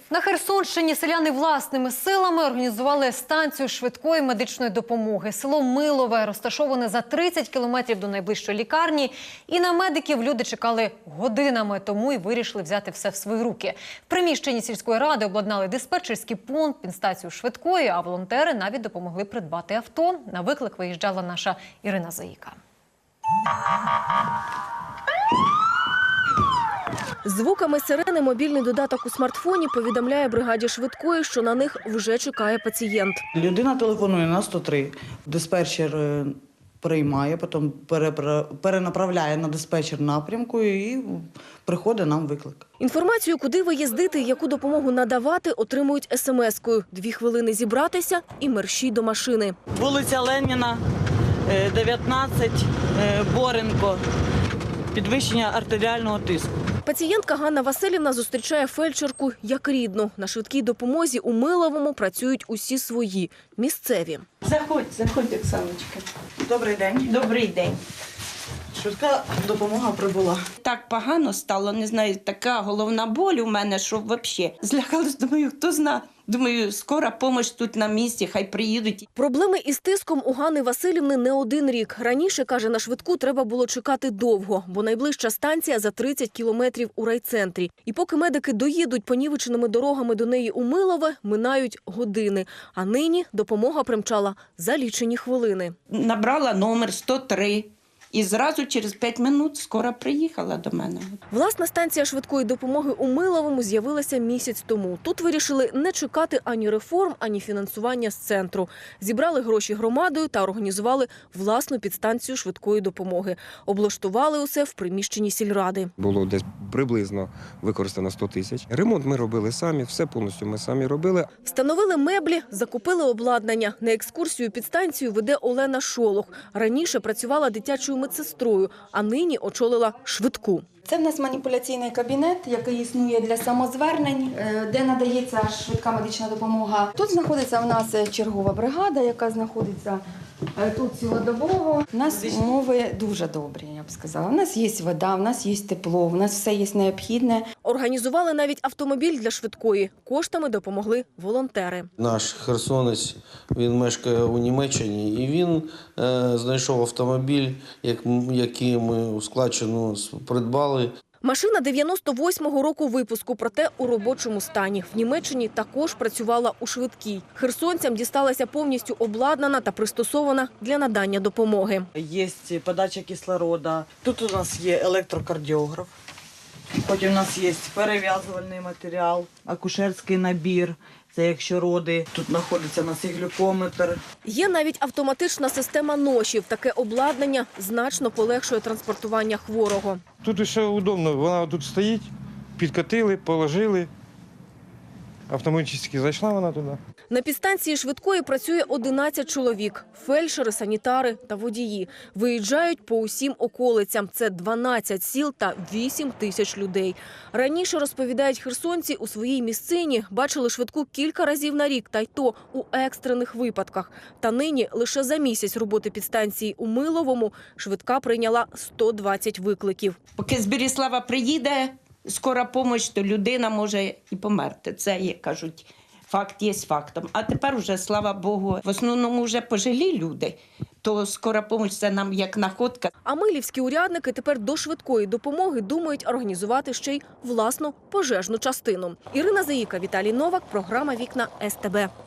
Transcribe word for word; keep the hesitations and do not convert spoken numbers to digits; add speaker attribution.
Speaker 1: На Херсонщині селяни власними силами організували станцію швидкої медичної допомоги. Село Милове розташоване за тридцять кілометрів до найближчої лікарні. І на медиків люди чекали годинами, тому і вирішили взяти все в свої руки. В приміщенні сільської ради обладнали диспетчерський пункт, підстанцію швидкої, а волонтери навіть допомогли придбати авто. На виклик виїжджала наша Ірина Заїка.
Speaker 2: Звуками сирени мобільний додаток у смартфоні повідомляє бригаді швидкої, що на них вже чекає пацієнт.
Speaker 3: Людина телефонує на сто три, диспетчер приймає, потім перенаправляє на диспетчер напрямку і приходить нам виклик.
Speaker 2: Інформацію, куди виїздити і яку допомогу надавати, отримують смс-кою. Дві хвилини зібратися і мерщій до машини.
Speaker 3: Вулиця Леніна, дев'ятнадцять, Боренко. Підвищення артеріального тиску.
Speaker 2: Пацієнтка Ганна Василівна зустрічає фельдшерку як рідну. На швидкій допомозі у Миловому працюють усі свої, місцеві.
Speaker 4: Заходь, заходь, Оксаночка.
Speaker 3: Добрий день.
Speaker 4: Добрий день.
Speaker 3: Швидка допомога прибула.
Speaker 4: Так погано стало, не знаю, така головна боль у мене, що взагалі. Злякалась, думаю, хто зна. Думаю, скора допомога тут на місці, хай приїдуть.
Speaker 2: Проблеми із тиском у Ганни Василівни не один рік. Раніше, каже, на швидку треба було чекати довго, бо найближча станція за тридцять кілометрів у райцентрі. І поки медики доїдуть понівеченими дорогами до неї у Милове, минають години. А нині допомога примчала за лічені хвилини.
Speaker 4: Набрала номер сто три. І зразу через п'ять минут скоро приїхала до мене.
Speaker 2: Власна станція швидкої допомоги у Миловому з'явилася місяць тому. Тут вирішили не чекати ані реформ, ані фінансування з центру. Зібрали гроші громадою та організували власну підстанцію швидкої допомоги. Облаштували усе в приміщенні сільради.
Speaker 5: Було десь приблизно використано сто тисяч. Ремонт ми робили самі, все повністю ми самі робили.
Speaker 2: Встановили меблі, закупили обладнання. На екскурсію підстанцію веде Олена Шолох. Раніше працювала дитячою медсестрою, а нині очолила швидку.
Speaker 6: Це в нас маніпуляційний кабінет, який існує для самозвернень, де надається швидка медична допомога. Тут знаходиться в нас чергова бригада, яка знаходиться тут цілодобово. У нас умови дуже добрі, я б сказала. У нас є вода, у нас є тепло, у нас все є необхідне.
Speaker 2: Організували навіть автомобіль для швидкої. Коштами допомогли волонтери.
Speaker 7: Наш херсонець, він мешкає у Німеччині, і він е, знайшов автомобіль, як, який ми у складчину придбали.
Speaker 2: Машина дев'яносто восьмого року випуску, проте у робочому стані. В Німеччині також працювала у швидкій. Херсонцям дісталася повністю обладнана та пристосована для надання допомоги.
Speaker 3: Є подача кислорода. Тут у нас є електрокардіограф. Потім у нас є перев'язувальний матеріал, акушерський набір. Це якщо роди. Тут знаходиться у нас і глюкометр.
Speaker 2: Є навіть автоматична система ношів. Таке обладнання значно полегшує транспортування хворого.
Speaker 8: Тут все удобно. Вона тут стоїть, підкотили, положили. Автоматично зайшла вона туди.
Speaker 2: На підстанції швидкої працює одинадцять чоловік. Фельдшери, санітари та водії. Виїжджають по усім околицям. Це дванадцять сіл та вісім тисяч людей. Раніше, розповідають херсонці, у своїй місцині бачили швидку кілька разів на рік, та й то у екстрених випадках. Та нині лише за місяць роботи підстанції у Миловому швидка прийняла сто двадцять викликів.
Speaker 4: Поки з Беріслава приїде скора допомога, то людина може і померти. Це, як кажуть, факт є фактом. А тепер вже, слава Богу, в основному вже пожилі люди, то скора допомога – це нам як находка.
Speaker 2: А милівські урядники тепер до швидкої допомоги думають організувати ще й власну пожежну частину. Ірина Заїка, Віталій Новак, програма «Вікна ес те бе».